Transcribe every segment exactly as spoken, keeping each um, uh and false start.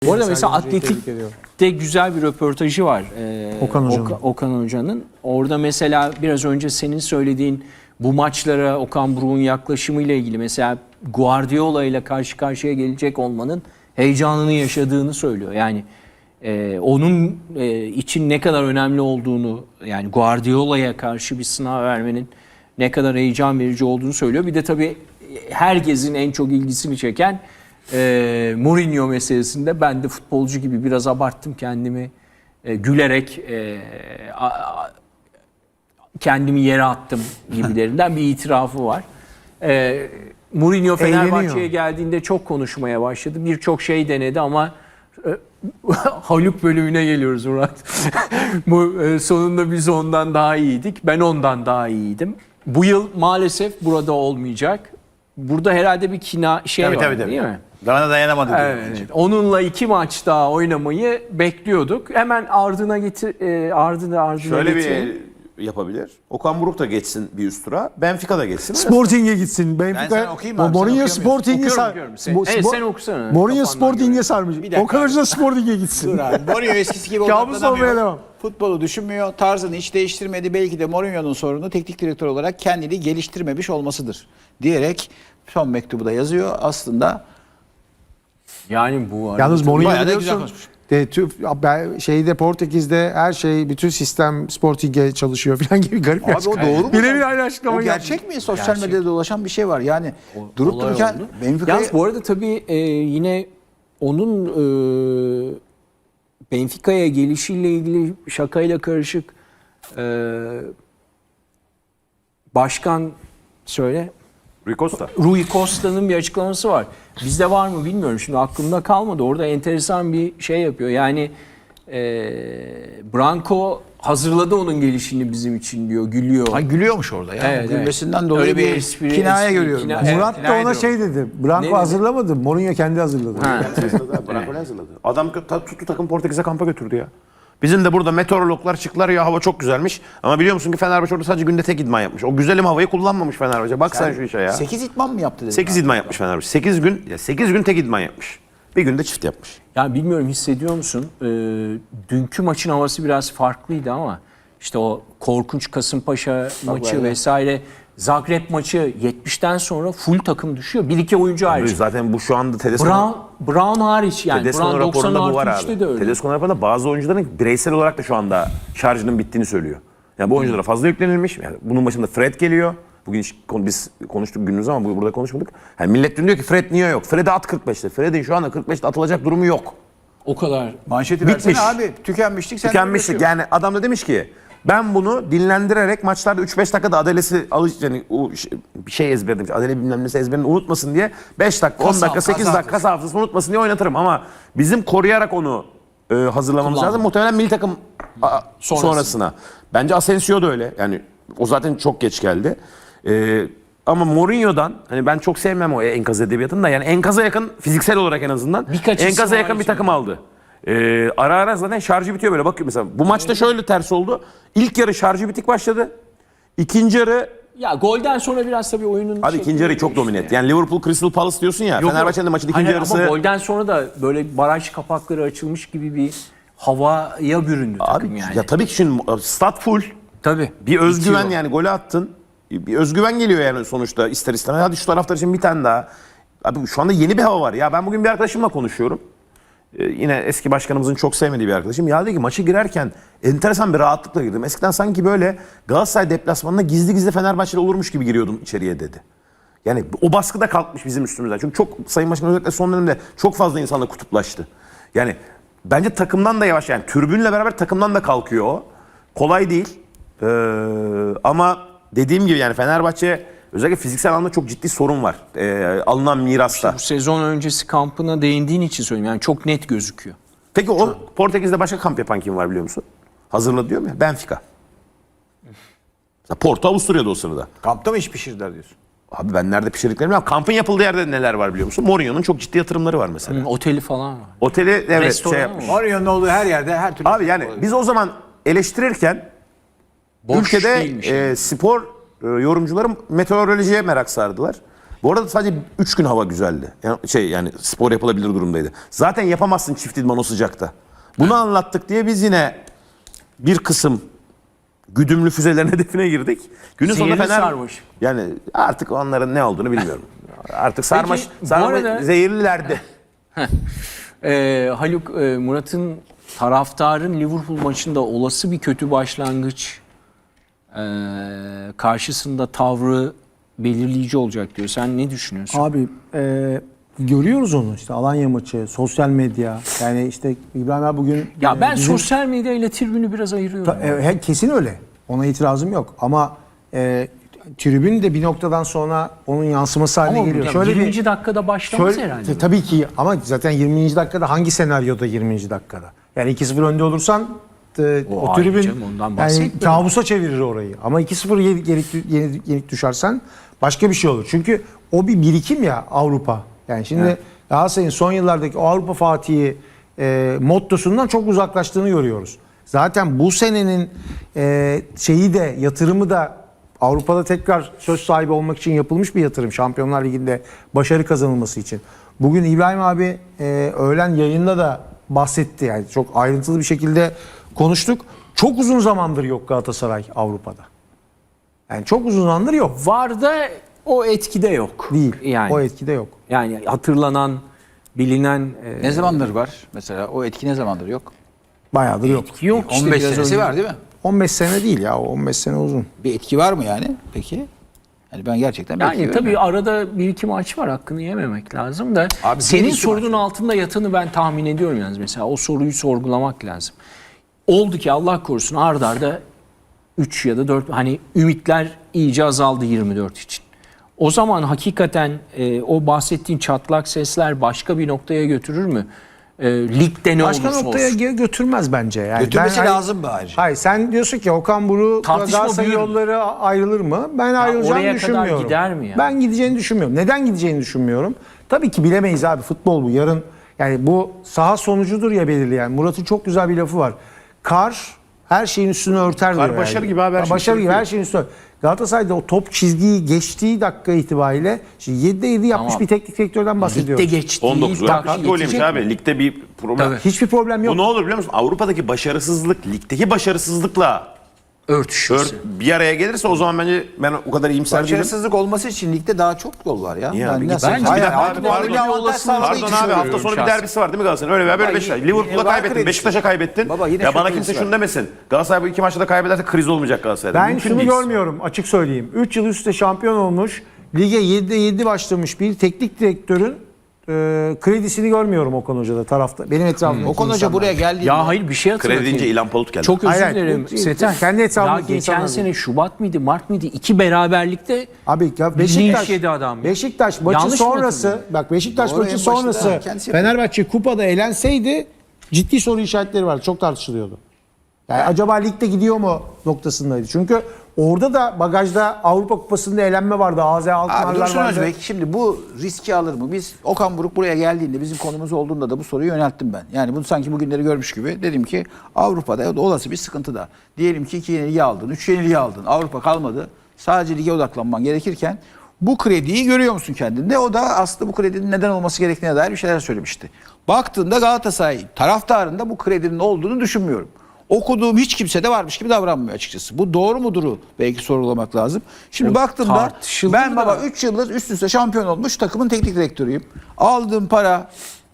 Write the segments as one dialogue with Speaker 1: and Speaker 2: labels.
Speaker 1: Bu arada mesela Atletik'te güzel bir röportajı var. Ee,
Speaker 2: Okan Hoca'nın.
Speaker 1: Oka, Okan Hoca'nın. Orada mesela biraz önce senin söylediğin bu maçlara Okan Buruk'un yaklaşımıyla ilgili mesela Guardiola ile karşı karşıya gelecek olmanın heyecanını yaşadığını söylüyor. Yani e, onun e, için ne kadar önemli olduğunu, yani Guardiola'ya karşı bir sınav vermenin ne kadar heyecan verici olduğunu söylüyor. Bir de tabii herkesin en çok ilgisini çeken e, Mourinho meselesinde ben de futbolcu gibi biraz abarttım kendimi, e, gülerek e, a, a, kendimi yere attım gibilerinden bir itirafı var. E, Mourinho Fenerbahçe'ye geldiğinde çok konuşmaya başladı. Birçok şey denedi ama e, Haluk bölümüne geliyoruz Murat. Bu e, sonunda biz ondan daha iyiydik. Ben ondan daha iyiydim. Bu yıl maalesef burada olmayacak. Burada herhalde bir kina şey
Speaker 3: tabii,
Speaker 1: var
Speaker 3: tabii, tabii.
Speaker 1: değil mi?
Speaker 3: Bana dayanamadı.
Speaker 1: Evet. Onunla iki maç daha oynamayı bekliyorduk. Hemen ardına getir, e, ardına ardına
Speaker 3: Şöyle
Speaker 1: getirelim.
Speaker 3: bir yapabilir. Okan Buruk da geçsin bir üst tura. Benfica da geçsin.
Speaker 2: Sporting'e gitsin.
Speaker 4: Ben
Speaker 2: Benfica.
Speaker 4: sana okuyayım abi,
Speaker 2: Mourinho
Speaker 4: sen
Speaker 2: Sporting'e
Speaker 1: Okuyorum,
Speaker 2: sar.
Speaker 1: okuyorum. Sen-
Speaker 2: Bo-
Speaker 1: Evet,
Speaker 2: Spor-
Speaker 1: sen okusana.
Speaker 2: Mourinho
Speaker 1: Kafandan
Speaker 2: Sporting'e
Speaker 1: göre.
Speaker 2: sarmış.
Speaker 4: Bir dakika.
Speaker 2: Okan Hoca da Sporting'e gitsin.
Speaker 4: Dur abi. Mourinho eskisi gibi
Speaker 2: Kabus olmaya
Speaker 4: odaklanamıyor.
Speaker 2: devam.
Speaker 4: Futbolu düşünmüyor. Tarzını hiç değiştirmedi. Belki de Mourinho'nun sorunu teknik direktör olarak kendini geliştirmemiş olmasıdır diyerek son mektubu da yazıyor. Aslında
Speaker 1: Yani bu arada
Speaker 2: Yalnız Mourinho
Speaker 4: bayağı da güzel
Speaker 2: biliyorsun.
Speaker 4: konuşmuş.
Speaker 2: De, tü- ben- şeyde Portekiz'de her şey, bütün sistem Sporting'e çalışıyor falan gibi garip bir
Speaker 4: Abi o
Speaker 2: açıklama.
Speaker 4: doğru mu?
Speaker 2: Birebir aynı açıklama
Speaker 4: o
Speaker 2: geldi.
Speaker 4: gerçek mi? Sosyal
Speaker 1: Gerçek.
Speaker 4: medyada dolaşan bir şey var. Yani durup
Speaker 1: olay
Speaker 4: dururken
Speaker 1: oldu.
Speaker 4: Benfica'ya
Speaker 1: Yalnız bu arada tabii e, yine onun e, Benfica'ya gelişiyle ilgili şakayla karışık e, başkan söyle
Speaker 3: Rui Costa.
Speaker 1: Rui Costa'nın bir açıklaması var. Bizde var mı bilmiyorum. Şimdi aklımda kalmadı. Orada enteresan bir şey yapıyor. Yani e, Branco hazırladı onun gelişini bizim için diyor. Gülüyor.
Speaker 4: Ay gülüyormuş orada ya.
Speaker 1: Evet,
Speaker 4: Gülmesinden
Speaker 1: evet.
Speaker 4: dolayı
Speaker 1: Öyle bir
Speaker 4: bir
Speaker 1: espri-
Speaker 4: kinaya
Speaker 1: espri-
Speaker 4: görüyorum.
Speaker 1: kina-
Speaker 4: ben.
Speaker 1: evet.
Speaker 2: Murat da ona şey dedi.
Speaker 1: Ne
Speaker 2: Branco
Speaker 1: dedi?
Speaker 2: hazırlamadı. Mourinho kendi hazırladı.
Speaker 1: Ha.
Speaker 3: Branco ne hazırladı? Adam ta- tuttu takım Portekiz'e kampa götürdü ya. Bizim de burada meteorologlar çıktılar ya, hava çok güzelmiş. Ama biliyor musun ki Fenerbahçe orada sadece günde tek idman yapmış. O güzelim havayı kullanmamış Fenerbahçe. Bak sen şu işe ya.
Speaker 4: sekiz itman mı yaptı dedi.
Speaker 3: sekiz idman yapmış Fenerbahçe. sekiz gün, ya sekiz gün tek idman yapmış. Bir günde çift yapmış.
Speaker 1: Ya bilmiyorum, hissediyor musun? Ee, dünkü maçın havası biraz farklıydı ama işte o korkunç Kasımpaşa maçı
Speaker 4: öyle.
Speaker 1: vesaire, Zagreb maçı yetmişten sonra full takım düşüyor. Bir iki oyuncu hariç.
Speaker 3: Zaten bu şu anda Tedesco
Speaker 1: Brown, Brown hariç yani.
Speaker 3: Tedesco
Speaker 1: Brown doksan
Speaker 3: raporunda bu var
Speaker 1: artı
Speaker 3: abi.
Speaker 1: üçte de öyle.
Speaker 3: Tedesco raporunda bazı oyuncuların bireysel olarak da şu anda şarjının bittiğini söylüyor. Yani bu oyunculara fazla yüklenilmiş. Yani bunun başında Fred geliyor. Bugün hiç kon- biz konuştuk günümüz ama bu- burada konuşmadık. Yani millet dün diyor ki Fred niye yok? Fred'e at kırk beşte. Fred'in şu anda kırk beşte atılacak durumu yok.
Speaker 1: O kadar.
Speaker 4: Manşeti
Speaker 3: Bitmiş.
Speaker 4: versene abi. Tükenmişlik. sen de
Speaker 3: Tükenmişlik.
Speaker 4: üretiyorsun.
Speaker 3: Yani adam da demiş ki ben bunu dinlendirerek maçlarda üç beş dakikada Adelesi alış yani o şey- bir şey ezberlemiş. Adele bilmem nesi ezberini unutmasın diye beş dakika, on
Speaker 4: Kas
Speaker 3: dakika,
Speaker 4: haf-
Speaker 3: sekiz
Speaker 4: kas
Speaker 3: dakika kas hafızasını unutmasın diye oynatırım ama bizim koruyarak onu e, hazırlamamız
Speaker 1: Kullanma.
Speaker 3: lazım. Muhtemelen milli takım a,
Speaker 1: Sonrasında.
Speaker 3: sonrasına. Bence Asensio da öyle. Yani o zaten çok geç geldi. E, ama Mourinho'dan hani ben çok sevmem o enkaz edebiyatını da, yani enkaza yakın fiziksel olarak en azından
Speaker 1: Birkaç isim
Speaker 3: enkaza yakın bir
Speaker 1: hariç
Speaker 3: takım aldı. Ee, ara ara zaten şarjı bitiyor böyle. Bakıyor mesela bu maçta şöyle ters oldu. İlk yarı şarjı bitik başladı. İkinci yarı
Speaker 1: Ya golden sonra biraz tabii oyunun...
Speaker 3: abi
Speaker 1: şekli
Speaker 3: ikinci yarı çok
Speaker 1: değişti
Speaker 3: domine
Speaker 1: yani.
Speaker 3: etti. Yani Liverpool Crystal Palace diyorsun ya.
Speaker 1: Yok,
Speaker 3: Fenerbahçe'nin de maçın ikinci
Speaker 1: Hayır,
Speaker 3: yarısı.
Speaker 1: Ama golden sonra da böyle baraj kapakları açılmış gibi bir havaya büründü takım
Speaker 3: Abi
Speaker 1: yani.
Speaker 3: ya tabii ki şimdi stat full.
Speaker 1: Tabii.
Speaker 3: Bir özgüven
Speaker 1: Bitiyor.
Speaker 3: yani, golü attın. Bir özgüven geliyor yani sonuçta ister istemez. Hadi şu taraftar için bir tane daha. Abi şu anda yeni bir hava var. Ya ben bugün bir arkadaşımla konuşuyorum. Ee, yine eski başkanımızın çok sevmediği bir arkadaşım. Ya dedi ki maçı girerken enteresan bir rahatlıkla girdim. Eskiden sanki böyle Galatasaray deplasmanına gizli gizli Fenerbahçeli olurmuş gibi giriyordum içeriye dedi. Yani o baskı da kalkmış bizim üstümüzden. Çünkü çok Sayın Başkan özellikle son dönemde çok fazla insanla kutuplaştı. Yani bence takımdan da yavaş, yani tribünle beraber takımdan da kalkıyor o. Kolay değil. Ee, ama dediğim gibi yani Fenerbahçe özellikle fiziksel anlamda çok ciddi sorun var. Ee, alınan mirasta.
Speaker 1: Bu sezon öncesi kampına değindiğin için söyleyeyim. Yani çok net gözüküyor.
Speaker 3: Peki o Portekiz'de başka kamp yapan kim var biliyor musun? Hazırladı diyorum ya, Benfica. Mesela Porto Avusturya'da o sırada.
Speaker 4: Kampta mı iş pişirdiler diyorsun?
Speaker 3: Abi ben nerede pişirdiklerini bilmiyorum. Kampın yapıldığı yerde neler var biliyor musun? Mourinho'nun çok ciddi yatırımları var mesela.
Speaker 1: Hı, oteli falan var.
Speaker 3: Oteli evet
Speaker 1: Restoran
Speaker 3: şey
Speaker 1: mı
Speaker 3: yapmış.
Speaker 1: var?
Speaker 4: Mourinho'nun olduğu her yerde her türlü.
Speaker 3: Abi yani biz o zaman eleştirirken
Speaker 1: Boş
Speaker 3: ülkede
Speaker 1: değilmiş
Speaker 3: e,
Speaker 1: yani.
Speaker 3: spor e, yorumcuları meteorolojiye merak sardılar. Bu arada sadece üç gün hava güzeldi. Yani şey yani spor yapılabilir durumdaydı. Zaten yapamazsın çift idman o sıcakta. Bunu anlattık diye biz yine bir kısım güdümlü füzelerin hedefine girdik. Günün sonunda
Speaker 1: Zehirli
Speaker 3: Fener
Speaker 1: sarmış.
Speaker 3: yani artık onların ne olduğunu bilmiyorum. Artık sarmaş,
Speaker 1: bu
Speaker 3: sarmaş
Speaker 1: arada-
Speaker 3: zehirlilerdi.
Speaker 1: Ee, Haluk, e, Murat'ın taraftarın Liverpool maçında olası bir kötü başlangıç e, karşısında tavrı belirleyici olacak diyor. Sen ne düşünüyorsun?
Speaker 2: Abi e, görüyoruz onu işte Alanya maçı, sosyal medya. Yani işte İbrahim abi bugün...
Speaker 1: Ya
Speaker 2: e,
Speaker 1: ben
Speaker 2: bizim-
Speaker 1: sosyal medya ile tribünü biraz ayırıyorum.
Speaker 2: Ta- e, he- kesin öyle. Ona itirazım yok. Ama e, tribün de bir noktadan sonra onun yansıması haline
Speaker 1: Ama
Speaker 2: geliyor.
Speaker 1: ya
Speaker 2: Şöyle
Speaker 1: yirminci
Speaker 2: bir,
Speaker 1: dakikada başlamaz
Speaker 2: şöyle,
Speaker 1: herhalde.
Speaker 2: t- tabii ki ama zaten yirminci dakikada hangi senaryoda yirminci dakikada? Yani iki sıfır önde olursan e,
Speaker 1: O
Speaker 2: o,
Speaker 1: ayrı
Speaker 2: tribün
Speaker 1: canım, ondan
Speaker 2: yani
Speaker 1: bahsetmiyorum.
Speaker 2: kabusa çevirir orayı. Ama iki sıfır yenik, yenik, yenik, yenik düşersen başka bir şey olur. Çünkü o bir birikim ya Avrupa. Yani şimdi
Speaker 1: Evet.
Speaker 2: Galatasaray'ın son yıllardaki o Avrupa Fatih'i e, mottosundan çok uzaklaştığını görüyoruz. Zaten bu senenin e, şeyi de yatırımı da Avrupa'da tekrar söz sahibi olmak için yapılmış bir yatırım. Şampiyonlar Ligi'nde başarı kazanılması için. Bugün İbrahim abi e, öğlen yayında da bahsetti. Yani çok ayrıntılı bir şekilde konuştuk. Çok uzun zamandır yok Galatasaray Avrupa'da. Yani çok uzun zamandır yok.
Speaker 1: Var da o etkide yok.
Speaker 2: Değil.
Speaker 1: Yani,
Speaker 2: O etkide yok.
Speaker 1: yani hatırlanan, bilinen e,
Speaker 4: Ne zamandır var? Mesela o etki ne zamandır yok?
Speaker 2: Bayağıdır yok.
Speaker 1: etki yok. işte
Speaker 4: on beş
Speaker 1: biraz
Speaker 4: senesi
Speaker 1: önce-
Speaker 4: var değil mi?
Speaker 2: on beş sene değil ya. on beş sene uzun.
Speaker 4: Bir etki var mı yani peki? Yani ben gerçekten bir etki
Speaker 1: Yani tabii
Speaker 4: görmüyorum.
Speaker 1: arada bir iki maç var, hakkını yememek lazım da
Speaker 4: Abi bir
Speaker 1: senin
Speaker 4: iki
Speaker 1: sorunun
Speaker 4: maç
Speaker 1: altında yatanı ben tahmin ediyorum yalnız, mesela o soruyu sorgulamak lazım. Oldu ki Allah korusun ard arda üç ya da dört, hani ümitler iyice azaldı yirmi dört için. O zaman hakikaten e, o bahsettiğin çatlak sesler başka bir noktaya götürür mü? E, ligde ne
Speaker 2: Başka
Speaker 1: olursa
Speaker 2: noktaya
Speaker 1: olsun.
Speaker 2: gö- götürmez bence. Yani
Speaker 4: Götürmesi
Speaker 2: ben-
Speaker 4: lazım mı ayrıca?
Speaker 2: Hayır sen diyorsun ki Okan Buruk
Speaker 1: Tartışma
Speaker 2: Galatasaray
Speaker 1: büyür mü?
Speaker 2: yolları ayrılır mı? Ben ayrılacağını
Speaker 1: oraya kadar
Speaker 2: düşünmüyorum.
Speaker 1: gider mi ya?
Speaker 2: Ben gideceğini düşünmüyorum. Neden gideceğini düşünmüyorum. Tabii ki bilemeyiz abi, futbol bu. Yarın yani bu saha sonucudur ya belirleyen. Murat'ın çok güzel bir lafı var. Kar her şeyin üstünü örter diyor.
Speaker 3: başarı gibi abi, her şeyi
Speaker 2: Başarı gibi
Speaker 3: örtüyor.
Speaker 2: her şeyin üstünü örter. Galatasaray'da o top çizgiyi geçtiği dakika itibariyle şimdi yedide yedi yapmış
Speaker 1: Tamam.
Speaker 2: bir teknik direktörden bahsediyoruz.
Speaker 1: Ligde geçtiği
Speaker 3: on dokuz gol.
Speaker 1: dakika
Speaker 3: kaç gol yemiş
Speaker 1: yetecek
Speaker 3: abi?
Speaker 1: mi?
Speaker 3: Ligde bir problem.
Speaker 1: Tabii.
Speaker 2: Hiçbir problem yok.
Speaker 3: Bu ne olur biliyor musun? Avrupa'daki başarısızlık ligdeki başarısızlıkla
Speaker 1: Örtüşürse.
Speaker 3: ört, bir araya gelirse o zaman bence ben o kadar iyimser değilim.
Speaker 4: Başarısızlık olması için ligde daha çok yol var ya.
Speaker 3: Niye
Speaker 4: Yani
Speaker 3: abi?
Speaker 4: nasıl?
Speaker 1: Bence
Speaker 4: Hayır,
Speaker 3: bir de-
Speaker 4: hayır,
Speaker 3: abi,
Speaker 4: abi,
Speaker 3: pardon,
Speaker 4: bir avantaj
Speaker 1: olasılığı
Speaker 4: sağladığı
Speaker 3: Pardon
Speaker 4: için
Speaker 3: abi hafta
Speaker 4: söylüyorum
Speaker 3: sonu bir
Speaker 1: şahsen.
Speaker 3: derbisi var değil mi Galatasaray'ın? Öyle veya böyle
Speaker 4: Baba,
Speaker 3: beş
Speaker 4: yine-
Speaker 3: Liverpool'a
Speaker 4: var
Speaker 3: kaybettin,
Speaker 4: kredisi
Speaker 3: Beşiktaş'a kaybettin.
Speaker 4: Baba, yine
Speaker 3: ya
Speaker 4: çok
Speaker 3: bana
Speaker 4: kredisi
Speaker 3: kimse
Speaker 4: var.
Speaker 3: şunu demesin. Galatasaray bu iki maçta da kaybederse kriz olmayacak Galatasaray'da.
Speaker 2: Ben
Speaker 3: Mümkün
Speaker 2: şunu
Speaker 3: değil.
Speaker 2: görmüyorum, açık söyleyeyim. üç yıl üstte şampiyon olmuş, lige yedide yedi başlamış bir teknik direktörün e, kredisini görmüyorum Okan Hoca'da tarafta. Benim etrafımda.
Speaker 4: Okan Hoca buraya geldiğinde
Speaker 1: Ya hayır, bir şey hatırlatayım.
Speaker 3: Kredi deyince İlhan Palut geldi.
Speaker 1: Çok özür
Speaker 2: Hayır, hayır.
Speaker 1: dilerim
Speaker 2: Bu-
Speaker 1: Seten.
Speaker 2: kendi
Speaker 1: Ya
Speaker 2: etrafındaki
Speaker 1: geçen
Speaker 2: insanlar
Speaker 1: sene Şubat mıydı, Mart mıydı? İki beraberlikte
Speaker 2: Abi ya
Speaker 1: linç
Speaker 2: Beşiktaş,
Speaker 1: yedi adam ya.
Speaker 2: Beşiktaş maçı
Speaker 1: Yanlış mı
Speaker 2: sonrası,
Speaker 1: hatırlıyorum?
Speaker 2: bak Beşiktaş
Speaker 4: Doğru,
Speaker 2: maçı
Speaker 4: en başında
Speaker 2: sonrası
Speaker 4: kendisi yapıyor.
Speaker 2: Fenerbahçe kupada elenseydi ciddi soru işaretleri vardı. Çok tartışılıyordu. Yani acaba ligde gidiyor mu noktasındaydı. Çünkü orada da bagajda Avrupa Kupası'nda elenme vardı. A Z
Speaker 4: Abi
Speaker 2: Alkmaarlar
Speaker 4: Dursun
Speaker 2: vardı.
Speaker 4: Özbek şimdi bu riski alır mı? Biz Okan Buruk buraya geldiğinde bizim konumuz olduğunda da bu soruyu yönelttim ben. Yani bunu sanki bugünleri görmüş gibi dedim ki Avrupa'da olası bir sıkıntı da. Diyelim ki iki yenilgi aldın, üç yenilgi aldın. Avrupa kalmadı. Sadece lige odaklanman gerekirken bu krediyi görüyor musun kendinde? O da aslında bu kredinin neden olması gerektiğine dair bir şeyler söylemişti. Baktığında Galatasaray taraftarında bu kredinin olduğunu düşünmüyorum. Okuduğum hiç kimse de varmış gibi davranmıyor açıkçası. Bu doğru muduru belki sorgulamak lazım. Şimdi
Speaker 1: O
Speaker 4: baktığımda
Speaker 1: tartışılır
Speaker 4: ben
Speaker 1: da.
Speaker 4: baba üç yıldır üst üste şampiyon olmuş takımın teknik direktörüyüm. Aldığım para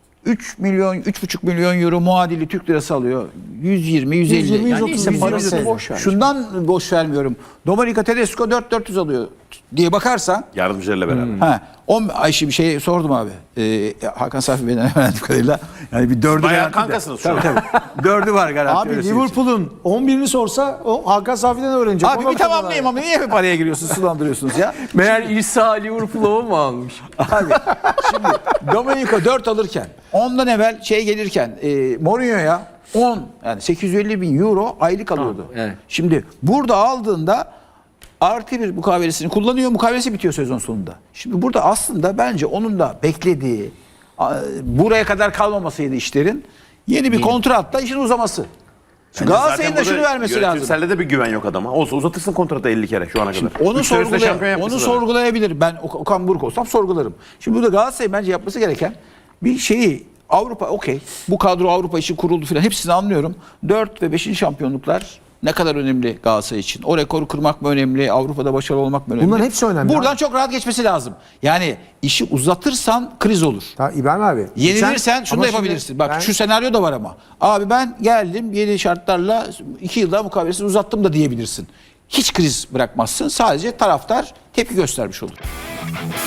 Speaker 4: üç milyon, üç buçuk milyon euro muadili Türk lirası alıyor. yüz yirmi, yüz elli.
Speaker 2: yüz yirmi, yüz otuz,
Speaker 1: neyse,
Speaker 2: yüz
Speaker 1: parası
Speaker 2: otuz.
Speaker 1: boş ver.
Speaker 4: Şundan boş vermiyorum. Dominika Tedesco dört bin dört yüz alıyor diye bakarsan
Speaker 3: Yardımcılarıyla beraber.
Speaker 1: Hmm.
Speaker 4: Ha, on ay şimdi bir şey sordum abi. Ee, Hakan Safi Bey'den öğrendiğim kadarıyla. Yani bir dördü
Speaker 3: Bayağı
Speaker 4: garanti de.
Speaker 3: kankasınız şu
Speaker 4: Tabii
Speaker 3: an.
Speaker 4: tabii. Dördü var garanti.
Speaker 2: Abi
Speaker 4: öyle söyleyeyim.
Speaker 2: Liverpool'un on birini sorsa o Hakan Safi'den öğrenecek.
Speaker 4: Abi
Speaker 2: Ona
Speaker 4: bir tamamlayayım
Speaker 2: bakıyorlar.
Speaker 4: ama niye bir paraya giriyorsunuz, sulandırıyorsunuz ya?
Speaker 1: meğer İsa Liverpool'u mu almış?
Speaker 4: Abi şimdi Domenico dört alırken, ondan evvel şey gelirken e, Mourinho'ya on yani sekiz yüz elli bin euro aylık alıyordu.
Speaker 1: Tamam, evet.
Speaker 4: Şimdi burada aldığında artı bir mukavelesini kullanıyor. Mukavelesi bitiyor sezon sonunda. Şimdi burada aslında bence onun da beklediği a- buraya kadar kalmamasıydı işlerin. Yeni bir kontratla işin uzaması.
Speaker 3: Bence
Speaker 4: Galatasaray'ın
Speaker 3: zaten
Speaker 4: da şunu
Speaker 3: burada
Speaker 4: vermesi lazım.
Speaker 3: yönetimselde de bir güven yok adama. Olsa uzatırsın kontratı elli kere şu ana kadar.
Speaker 4: Onu,
Speaker 3: Üç sene üstte
Speaker 4: sorgulay
Speaker 3: şampiyon
Speaker 4: onu
Speaker 3: yapmışsın zaten.
Speaker 4: sorgulayabilir. Ben Ok- Okan Buruk olsam sorgularım. Şimdi burada Galatasaray bence yapması gereken bir şeyi Avrupa okey. Bu kadro Avrupa için kuruldu filan. Hepsini anlıyorum. dört ve beşinci şampiyonluklar ne kadar önemli Galatasaray için? O rekoru kırmak mı önemli? Avrupa'da başarılı olmak mı önemli?
Speaker 2: Bunların hepsi önemli
Speaker 4: Buradan
Speaker 2: abi.
Speaker 4: çok rahat geçmesi lazım. Yani işi uzatırsan kriz olur.
Speaker 2: Ta, İbrahim abi.
Speaker 4: Yenilirsen şunu
Speaker 2: ama
Speaker 4: da
Speaker 2: şimdi
Speaker 4: yapabilirsin. Bak
Speaker 2: ben-
Speaker 4: şu senaryo da var ama. Abi ben geldim yeni şartlarla iki yılda mukavelesini uzattım da diyebilirsin. Hiç kriz bırakmazsın. Sadece taraftar tepki göstermiş olur.